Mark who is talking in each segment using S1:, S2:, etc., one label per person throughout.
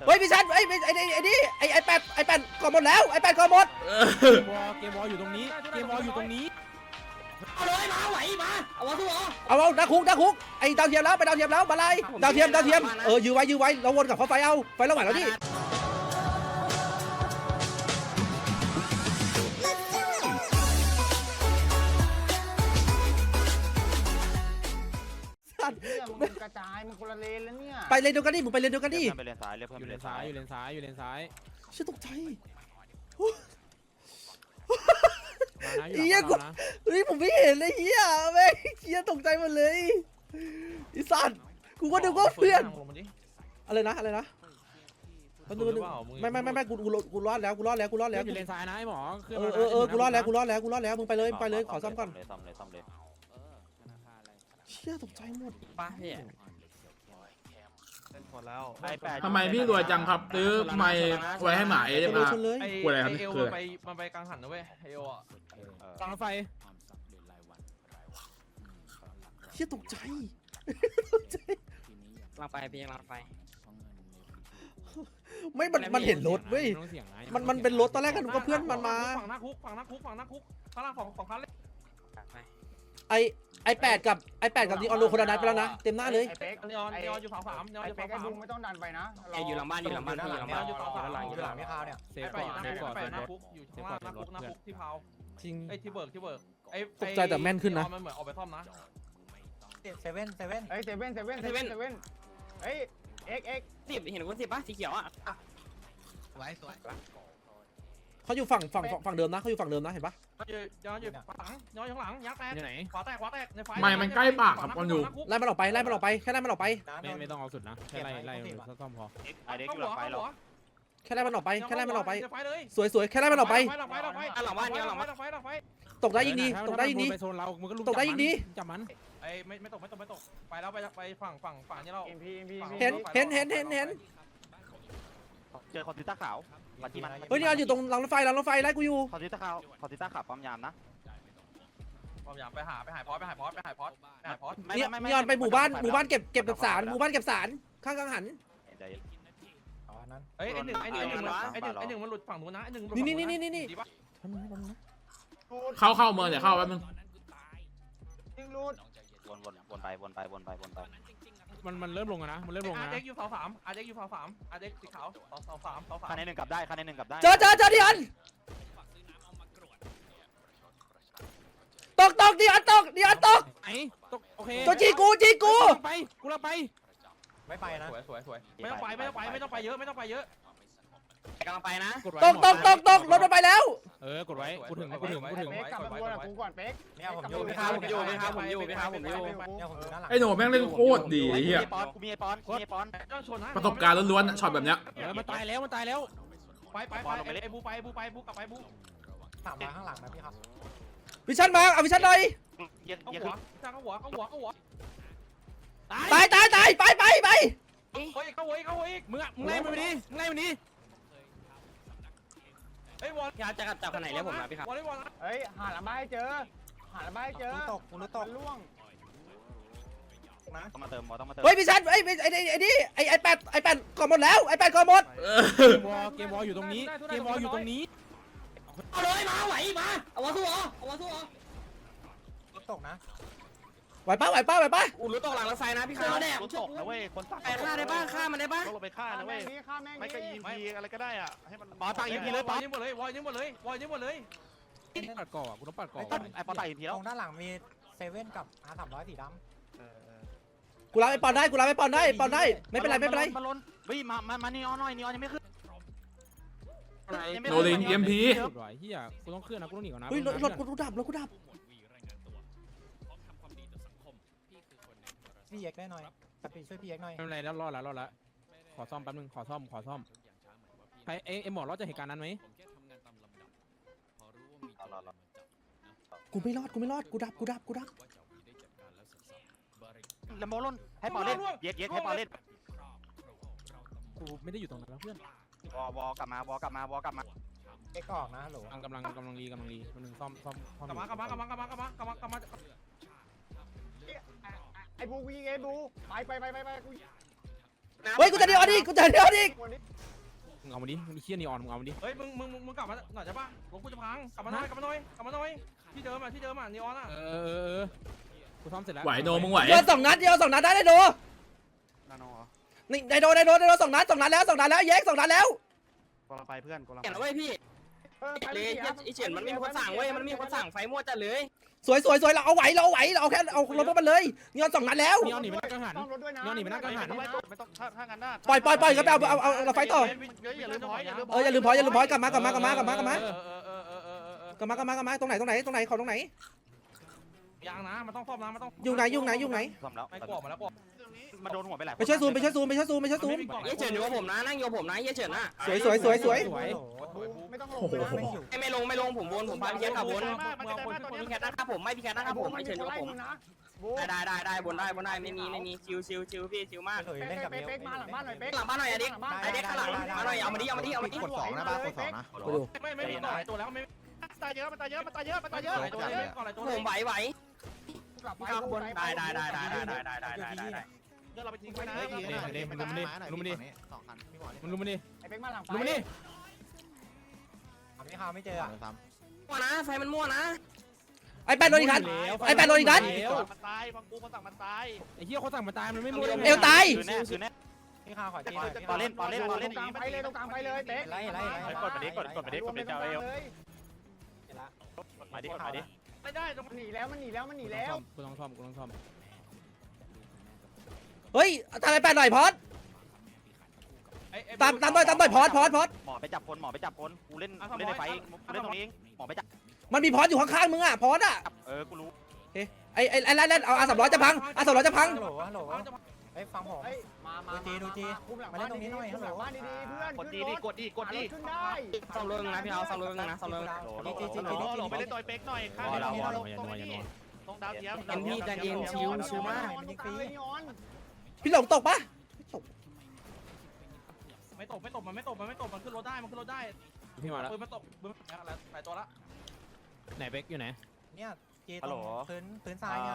S1: เฮ้ยพี่ชันไอ้นี่ไอแปดก่อนหมดแล้วไอแปดก่อนหมด
S2: เกมวอลอยู่ตรงนี้เกมวอลอยู่ตรงนี้
S3: เอาเลยมาไหวมาเอาวะทุกคน
S1: เอาดักคุกไอ้ดาวเทียมแล้วไปดาวเทียมแล้วมาไล่ดาวเทียมยื้อไว้เราวนกับเขาไฟเอาไฟเราไหวแล้วดิ
S4: มึงกระจายมึงคนละเลนแล้วเนี่ย
S1: ไปเลนเดียวกันดิมึงไปเลนเดียวกันดิ
S5: ไปเลนซ้ายเรียกเพื่อน
S2: อยู่
S5: ไป
S2: เล
S5: เล
S2: น
S5: น
S2: ซ้า
S5: ซ้าย ย
S2: อยู่เลนซ้ายอยู่เลนซ้าย
S1: ฉันตกใจ
S2: มานะอยู่
S1: เฮีย
S2: หลั
S1: กู
S2: งนะ
S1: เฮ้ยผมไม่เห็นเลยเฮียแม่งเฮียตกใจหมดเลยไอ้สัตว์กูก็นึกว่าเพื่อนอะไรนะไม่กูรอดแล้ว
S2: อยู่เลนซ้ายนะไอ้หมอ
S1: กูรอดแล้วมึงไปเลยขอซ่อมก่อน
S5: ซ่อมเลย
S1: เชี่ยตกใจหมด
S3: ป้าพี่
S6: ทำไมพี่รวยจังครับซื้อไม้ไว้ให้หมาเอฟ
S1: โดน
S6: อา
S1: ชนเลย
S6: กลัวอะไรครับคืออะไร
S7: มันไปกลางหันนะเว้ยเอโออ่ะ
S2: กลางไฟ
S1: เชี่ยตกใจ
S3: กลางไฟพี่กลางไฟ
S1: ไม่มันเห็นรถเว้ยมันเป็นรถตอนแรกกันก็เพื่อนมันมา
S7: ฝั่งหน้าคุกข้างล่างของคันเลย
S1: ไอแปดกับดีออนโลคนละนัดไปแล้วนะเต็มหน้าเลย
S4: ไอ้เป๊ก
S7: นีออนอยู่ฝั่ง3นีออน
S4: ไอ้
S7: อยู่
S4: เป๊
S7: ฝั่
S4: ก
S7: ง
S4: ไอ้บุ้งไม่ต้องดันไปนะ
S3: อยู่หลังบ้านอยู่หลังบ้านอยู่หลังบ้าน
S7: อยู่ฝั่ง3
S4: หลังพี่ข้าวเนี่ย
S2: เซฟก่อนเซฟก่อนเซฟรถ
S7: อยู่ข้างล่างหน้าคุกที่พาว
S1: จริง
S7: ไอ้ที่เบิร์ก
S1: ตกใจแต่แม่นขึ้นนะ
S7: มันเหมือนออกไปซ่อมนะ
S4: เซเว่นเฮ้ยเซเว่นเฮ้ยเอ็ก
S3: 10เห็นคน10ป่ะสีเขียวอ่ะ
S4: สวย
S1: เขาอยู่ฝั่งเดิมนะเขาอยู่ฝั่งเดิมนะเห็นปะ
S7: ย้อนอยู่ข้างหลังยักษ์แตก
S2: อยู่ไหน
S7: ขวาแตกในไฟ
S6: ไม่มันใกล้ปากครับคนอยู่
S1: ไล่มันออกไปแค่ไล่มันออกไป
S2: ไม่ต้องเอาสุดนะแค่ไล่ซ่อมพอ
S5: ไอเด็กอยู่หลังไฟเรา
S1: แค่ไล่มันออกไป
S7: เลย
S1: สวยแค่ไล่มันออกไป
S3: หลังบ้านเนี่ยหลังบ้าน
S1: ตกได้ยิงดี
S2: ไปโซนเรามึงก็ลุกจับมัน
S7: ไอ้ไม่ตกไปแล้วไปฝั่งนี้เรา
S4: อิมพี
S1: เห็น
S5: เจอคอนติต้าขาวมาที่มัน
S1: เฮ้ยนี่อยู่ตรงรางรถไฟไล่กูอยู่
S5: คอนติต้าขาวปั๊มยามนะ
S7: ผมอยากไปหาพอส
S1: นี่ยอนไปหมู่บ้านเก็บกับสารข้างกังหัน
S4: อ๋อนั่น
S7: ไอ้หนึ่งมันหลุดฝั่งนู้นนะไอ้หนึ่ง
S1: นี่
S6: เข้าเมืองเดี๋ยวเข้าแป๊บนึง
S4: ยิงรูด
S5: วนไป
S2: มันเริ่มลงนะมันเริ่มลง
S7: อา
S2: นะ
S7: เด็กอยู่เสา3อาเด็กสีขาวเสา3
S5: คันนึงกลับได้
S1: เจอดิอันตกดิอันตก
S2: ไอ้ตกโอเค
S1: ตัวจีกู
S2: ไปกูเราไป
S4: ไม่ไปนะ
S7: สวยไม่ต้องไปเยอะ
S3: กำลังไปนะ
S2: กดไว้
S1: ตกรถมันไปแล้ว
S2: กดไว้กูถึง
S4: เป๊กกลับมาบนกูก่อนเป๊กเนี่ยผมอยู่
S3: พี่ครับผมอยู่เนี่ยผมอยู่
S4: ด้านหลัง
S6: ไอ้หนูแม่งเล่นโคตรดีไอ้เหี้ย
S5: กูมีไอปอน
S7: ต้องชนนะ
S6: ประสบการณ์ล้วนๆช็อตแบบเนี้ย
S2: มันตายแล้ว
S7: ไปไอ้บูกลับไปบู
S4: ถามมาข้างหลังนะพี่ครับ
S1: วิชันมาเอาวิชันหน่อย
S7: เข้าหัว
S1: ตายไป
S7: เข้าหัวอีก
S2: มึงไล่มันไปดิ
S7: ไอ้วอล
S3: พี่ครับจะจับขนาดแล้วผมนะพี่ครับ
S7: วอล
S4: เฮ้ยหาละบ้าให้เจอตกล่วงนะ
S5: ต้องมาเติม
S1: เฮ้ยวิชันไอ้นี่ไอแปดก่อนหมดแล้วไอแปดก่อนหมด
S2: เกมวอลอยู่ตรงนี้เกมวอลอยู่ตรงนี้
S3: เอาเลยมาไหวมาเอาวะทุกคน
S4: ตกนะ
S1: ไหวป้า
S3: อู้รู้ตกหลังรถไฟนะพี่ครับแน่
S5: รถตกนะเว้ยคนตัก
S3: ฆ่าได้บ้างฆ่ามันได้บ้าง
S5: ต้องลงไปฆ่านะเว้ย
S4: ฆ่าแม่ง
S5: ไม่ก็ EMP อะไรก็ได้อ่ะให้มัน
S7: ปอตัก EMP เลยปอยิงหมดเลยวอลยิงหมดเลย
S2: ปัดก่อกูต้องปัดก่อ
S5: ไอปอตัก EMP แล้ว
S4: ตรงด้านหลังมีเซเว่นกับR300สีดำ
S1: กูรับไอปอนได้ไม่เป็นไร
S5: มันล้นเฮ้ยมานีออนหน่อยนีออนยังไม่ขึ้น
S6: โนลินเอ็มพี
S2: กดไว้เฮียกูต้องเคลื่อนนะกูต้องหนีก่อนนะ
S1: เฮ้ยรถกูดับ
S4: พี่เอ็กได้หน่อยกระปีช่วยพี่เอ็กหน่อย
S2: ไม่เป็นไรแล้วรอดแล้วขอซ่อมแป๊บนึงขอซ่อมใครไอหมอรอดจากเหตุการณ์นั้นไหม
S1: กูไม่รอดกูดับ
S5: แล้วโมล้นให้ปอเล่นเย็ดให้ปอเล่น
S2: กูไม่ได้อยู่ตรงนั้นแล้วเพื่อน
S5: วกลับมา
S4: เอ็กออกนะโหล
S2: กำลังรีมันนึงซ่อม
S7: กลับมา
S4: ไอ้บูวิ่งไอ้บูไปกู
S1: เฮ้ยกูจะเดียวดิ
S2: เอามาดิมึงเชี่ยนีออนมึงเอามาดิ
S7: เฮ้ยมึงกลับมาหน่อยใช่ปะรถกูจะพังกลับมาหน่อยที่เดิมอ่ะนีออนอ่ะ
S2: กูซ่อมเสร็จแล้ว
S6: ไหวโนมึงไหว
S1: โดน2 นัดเดียว2 นัดได้โด
S5: นาโนเหรอ
S1: นี่ได้โด2 นัดแล้วแยก2 นัดแล้ว
S5: กำลังไปเพื่อนกำลัง
S3: เห็นแล้วเว้ยพี่เลยไอเฉินมันมีคนสั่งเว้ยมันมีคนสั่งไฟมั่วจัดเลย
S1: สวยเราเอาไหวเราเอาแค่เอารถมันเลยนีออน2 นัดแล้ว
S2: นีออนหนีไปนั่งกังหัน
S4: ต้องรถด้วยนะ
S2: ย้อนหนีไปนั่งกังหัน
S5: ไม่ต้องถ้างั้นน่ะ
S1: ปล่อยก็ไปเอาเราไฟต่อ
S5: อย่าลืมพอยอย่าลืม
S1: อย่าลืมพอยกลับมาตรงไหน
S7: ยางนะมันต้องซ่อมนะมันต้อง
S1: อยู่ไหน
S5: ซ่อมแล้ว
S7: ไม่กลัวมาแล้วกลัว
S5: มาโดนหัวไปหลาย
S1: ไปช่วยซูม
S3: เยเฉินอยู่กับผมนะนั่งอยู่กับผมนะเยเฉินน่ะ
S1: สวย
S4: ไม่ต้องลงนะไม่หิว
S3: ไม่ลงผมวนผมพาพี่แคทขับวน
S5: มัน
S3: พี่แคทนั่งข้าผมไม่พี่แคทนั่งข้าผมไอเฉินอยู่กับผม
S4: นะบู
S3: ได้บนได้ไม่มีชิวพี่ชิวมาก
S4: เล่นกับเป๊กมาหลังบ้านหน่อยเป๊ก
S3: หลังบ้านหน่อยไอเด็กข้างหลังมาหน่อยเอามาดิ
S4: กด2นะบ้ากด2นะ
S7: ไม่มีต่อหลายตัวแล้วไม่
S5: ตายเยอะมันตายเยอะก่อนหลายตัว
S3: ผมไหว
S4: กลับไป
S3: ข้างบนได้
S5: เดี๋ยวเราไปทิ้งไว้นะ
S2: มันลุมมาดิ
S4: ไอ้เป๊กมาหลัง
S2: ลุมมาดิ
S4: ไม่ข่าวไม่เจออ่ะ
S3: มั่วนะไฟมันมั่วนะ
S1: ไอ้แปดโดนอีกนัด
S5: มันตายฟังกูมันสั่งมันตาย
S2: ไอ้เหี้ยเขาสั่งมาตายมันไม่รู้
S1: เอวตาย
S5: คือแน่
S4: พี่ข่าวขอจี
S5: ปอเล่น
S4: ตรงกลางไปเลยเป๊ก
S5: กดไปเจ้าเอวมาดิไม่ได้ตรง
S4: มันหนีแล้ว
S2: กูต้องซ่อม
S1: เฮ้ยตามไอ้แปดหน่อยพอดตามหน่อยพอด
S5: หมอไปจับคนกูเล่นในไฟเล่นตรงนี้หมอไปจับ
S1: มันมีพอดอยู่ข้างๆมึงอ่ะพอดอ่ะ
S5: กูรู้
S1: ไอ้เล่นเอา300จะพัง300จะพัง
S4: ฮัลโหลเฮ้ยฟังผมมาดูจีมาเล่นตรงนี้หน่อยฮัลโหลบ้านดีๆเพื่อน
S5: กดดี
S4: ขึ้นได้
S3: ซ่อมรถนะพี่เอาซ่อมรถนะซ่อมรถ
S5: หลไปเล่นต่อยเป๊กหน่อยข้างตรงดาวเทียม
S3: เอ็นพี่ใจเย็นชิวมาก
S1: พี่หลงตกปะ
S7: ไม่ตกมันขึ้นรถได้
S2: พี่มาแล้ว
S7: ปืนมันตกหลายตัวละ
S2: ไหนเบ็กอยู่ไหน
S4: เนี่ยจีตรงพื้นทรายเนี่ย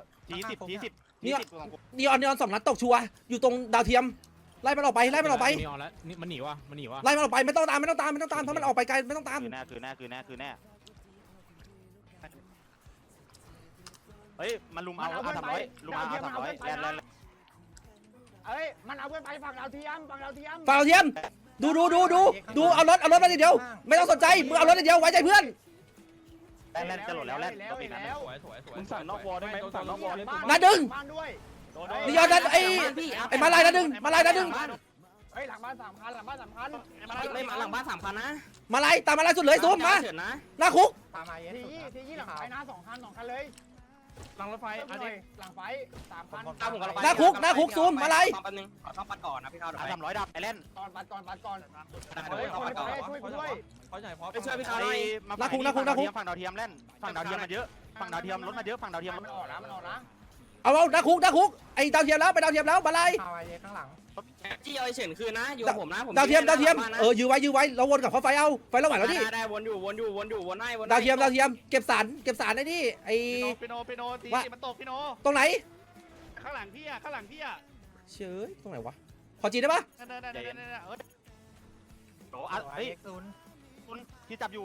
S5: T10
S1: นีออน2 นัดตกชัวอยู่ตรงดาวเทียมไล่มันออกไป
S2: นีออนแล้วนี่มันหนีวะ
S1: ไล่มันออกไปไม่ต้องตามเพราะมันออกไปไกลไม่ต้องตาม
S5: คือแน่เฮ้ยมันลุมเอา300ลุมเอา300แลน
S4: เอ้ยมันเอาเพื่อนไปฝั่งดาวเทียม
S1: ฝั่งดาวเทียมดูเอารถมาทีเดียวไม่ต้องสนใจมึงเอารถทีเดียวไว้ใจเพื่อน
S5: แลนจะหล่นแล้วแลนก็ปีนั้น
S7: สวย
S5: มึงสั่งนอกวอลได้ไหมสั่งนอกวอล
S1: นัดดึง
S4: บ้านด้วย
S1: นีออนนัดไอ้มาลายนัดดึง
S4: เฮ้ยหลังบ้าน3 คัน
S3: ไม่มาหลังบ้าน3 คันนะ
S1: มาลายตามมาลายสุดเลยซูมมา
S3: เฉินนะ
S1: หน้าคุก
S4: ตามมาทียี่หลังไฟนะ2 คันเลย
S7: หลังรถไฟ
S4: หลังไฟ3 คัน
S3: ตามผมกับ
S1: หน้าคุกซูมมาลาย
S3: แป๊บนึงขอต้องปัดก่อนนะพี่เขาเดี๋ยวไป
S5: 300ดับไอแลน
S4: ก่อน
S3: เดี๋ยวต้องปัดก่อน
S4: ช่วยกูด้วย
S7: พอใหญ่พอ
S3: ไปช่วยพี่เขา
S5: ฝั่งดาวเทียมแลนฝั่งดาวเทียมมันเยอะฝั่งดาวเทียมรถมาเยอะฝั่งดาวเทียม
S4: มันออกนะ
S1: เอาหน้าคุกไอ้ดาวเทียมแล้วไปดาวเทียมแล้วมาลาย
S4: ข่าวไอ้ข้างหลัง
S3: จี้เอาเฉินคืนนะอยู่กับผมนะผม
S1: ดาวเทียมยื้อไว้เราวนกับเขาไฟเราไหวแล้วดิ
S3: ได้วนอยู่วนให้
S1: ดาวเทียมเก็บสารไอ้นี่ไอ้
S5: ปิโนตีมันตกปิโน
S1: ตรงไหน
S5: ข้างหลังพี่อ่ะ
S1: เชยตรงไหนวะขอจีได้ปะ
S5: นั่นโอ้เฮ้ยคุณที่จับอยู่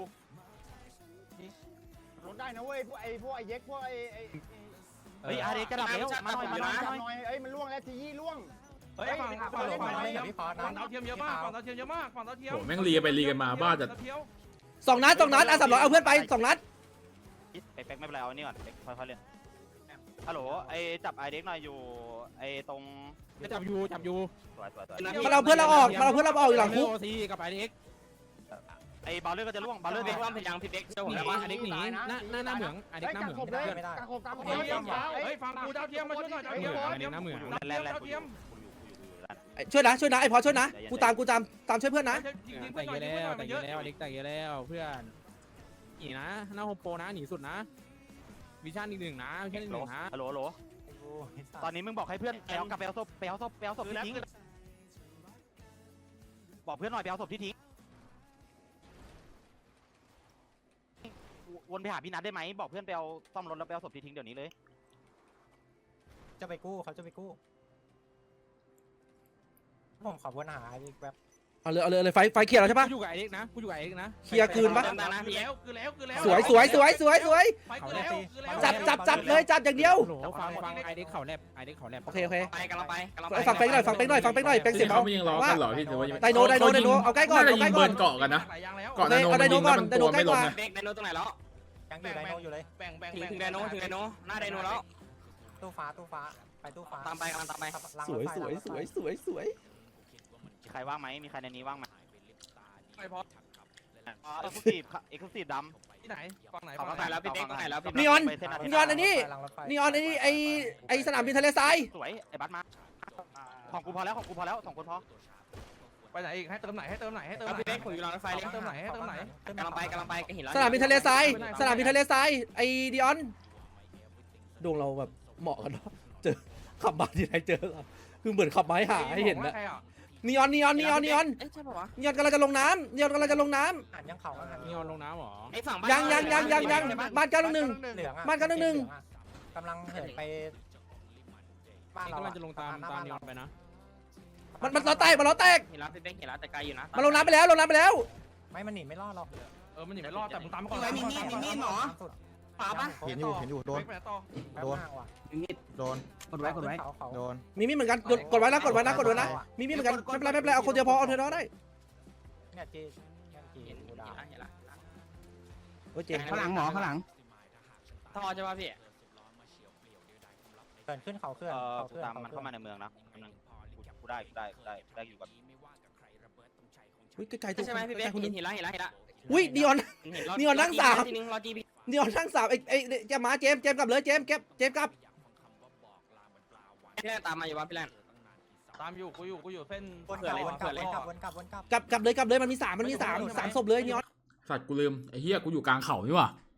S4: รถได้นะเว้ยพวกไอ้เย็กพวกไอ้
S5: เฮ้ยอาร์เดกระดับแล้วมาหน่อย
S4: เอ้ยมันล่วงแล้วทียี่ล่วง
S7: เฮ้ยฝั่งดาวเทียมเยอะมากฝั่งดาวเทียม
S6: โหแม่งรีกันไปรีกันมาบ้าจัด
S1: 2 นัด300เอาเพื่อนไป2 นัด
S5: ไอ้เป๊กไม่เป็นไรเอานี่ก่อนเป๊กค่อยๆเล่นฮัลโหลไอ้จับไอเด็กหน่อยอยู่ไอ้ตรง
S2: จับอยู่
S5: สวย
S1: มันเอาเพื่อนเราออกอยู่หลังคุก
S2: ซีกับไอเด็ก
S5: ไอ้บอลเลอร์ก็จะล่วงบอลเลอร์
S3: เด็
S5: เด็
S3: ก
S5: ก
S3: ว่าพยายามพี่เด็กเชื่อผม
S2: หนี
S3: แล้วว่า
S2: ไอเด็กหนีหน้าเหมืองไอเด็กหน้าเหมือง
S4: ไม่ได้กระโขบ
S7: เฮ้ยฝั่งกูดาวเทียมมาช่วยหน่อยดาวเทียม
S2: ไอเด็กหน้าเหมือง
S5: แลน
S7: ดาวเทียม
S1: ช่วยนะไอ้พอช่วยนะกูตามช่วยเพื่อนนะ
S2: แต่เยอะแล้วไอเด็กแต่เยอะแล้วเพื่อนหนีนะหน้าโฮมโปรนะหนีสุดนะวิชั่นอีก1นะวิชั่นอีก1นะ
S5: ฮัลโหลตอนนี้มึงบอกให้เพื่อนไปเอากลับไปเอาศพที่ทิ้งบอกเพื่อนหน่อยไปเอาศพที่ทิ้งวนไปหาพี่นัทได้ไหมบอกเพื่อนไปเอาซ่อมรถแล้วไปเอาศพที่ทิ้งเดี๋ยวนี้เลย
S4: จะไปกู้เขาจะไปกู้ผมขอวนหาอีกแบบ
S1: เอาเลยไฟเคลียร์แล้วใช่ปะ
S2: กูอยู่กับไอ้เด็กนะกูอยู่กับไอ้เด็กนะ
S1: เคลียร์คืนปะ
S3: เติมตานะ
S7: คือ
S3: พี่
S7: แล้วคือแล้วคือแล้ว
S1: สวย
S7: ไปคือแล้วคือแล้ว
S1: จัดเลยจัดอย่างเดียว
S2: โหลฟังไอ้เด็กเขาแลบไอ้เด็กเขาแลบ
S1: โอเค
S3: ไปกำลังไปกำลัง
S1: ไอ้ฟังเป๊กหน่อยเป็นเสียง
S6: เขา
S1: เบา
S6: ไม่ยังล้อกันเหรอพี่หรือว่ายัง
S1: ไดโนเอาใกล้ก่อน
S6: น่าจะ
S1: เอาใก
S6: ยิ
S1: ล้
S6: ง
S1: ก่
S6: เบิ
S1: อน
S6: ร์นเกาะกันนะ
S7: หลายอย่างแล้ว
S6: เกาะนาโนมันยิงแล้วมันตัวไม่ลงนะ
S3: เด็กไดโนตรงไหนแล้ว
S4: ยังอยู่ไดโนอยู่เลย
S7: แบ่ง
S3: ถึงไดโนถึงไดโนหน้าไดโนแล้ว
S4: ตู้ฟ้าไปตู้ฟ้า
S3: ตามไปกำลังตามไป
S1: สวย
S5: มีใครว่างไหมมีใครในนี้ว่างไหม
S7: ไปพอ
S5: เอ็กซ์คลูซีฟดำ
S7: ที่ไหนฝั่งไหน
S3: เขาเข้าไปแล้วพี่เป๊กตรงไหนแล้วพี่
S1: นีออน
S5: ไปเส้นอาทิต
S1: นี
S5: ย์
S1: ออนไอ้นี่นีออนไอ้สนามบินทะเลทราย
S5: สวยไอ้บัสมาของกูพอแล้วสองคนพอ
S7: ไปไหนอีกให้เติมไหน
S3: พี่เป๊กผมอยู่รางรถไฟเลย
S7: เติมไหนก
S3: กำลังไปก็เห็นแล้ว
S1: สนามบินทะเลทรายไอ้ดิออนดวงเราแบบเหมาะกันเนาะเจอขับมาที่ไหนเจอคือเหมือนขับไม้หาให้เห็นนะนีออน
S3: เอ๊ะใช่ป่าวะ
S1: นีออนกำลังจะลงน้ำ
S4: อ่านยังเขาอ่ะ
S2: นี่เอาลงน้ำหรอ
S3: ไอ้ฝั่ง
S1: ยังบ้าน911
S4: เหลืองอ่ะ
S1: บ้าน911
S4: กำลังเหินไปบ้าน
S2: นี่
S4: เรา
S2: กำลังจะลงตามนีออนไปนะ
S1: มันล้อแตก
S3: เห็นแล้วพี่เป๊กเห็นแล้วแต่ไกลอยู่นะ
S1: มันลงน้ำไปแล้ว
S4: ไม่มันหนีไม่รอดหรอก
S7: มันหนีไม่รอดแต่มึงตามมาก่อน
S3: ป่าปะ
S8: เห็นอยู่โดน
S7: ไปต่อ
S8: โดน โดน
S4: กดไว้เขา
S8: โดน
S1: มีมีเหมือนกันกดไว้นะมีมีเหมือนกันไม่เป็นไรเอาคนเดียวพอเอาเธอได้
S4: เนี่ยจี
S3: เห็น
S4: กูดาว
S3: แล้ว
S1: โอ้เจ
S3: ข้างหลังหมอข้างหลังท่อใช่ป่ะพี่
S4: เกินขึ้นเขาเคลื่อน
S5: กูตามมันเข้ามาในเมืองนะกูได้อยู่กับ
S1: อุ้ยไกลๆตัว
S3: ใช่ไหมพี่เป๊ก
S1: คนนึง
S3: เห็นแล้ว
S1: อุ้ยนีออน
S3: ทีนึงรอจีพี
S1: นีออนทั้ง3ไอ้จะมาเจมกลับเลยเจมกลับ
S3: พี่แลนตามมาอยู่บ้านพี่แลน
S7: ตามอยู่กูอยู่เส้น
S4: วนกลับ
S1: กลับเลยมันมี3ศพเลยนีออน
S6: สัตว์กูลืมไอ้เหี้ยกูอยู่กลางเขานี่ว่ะ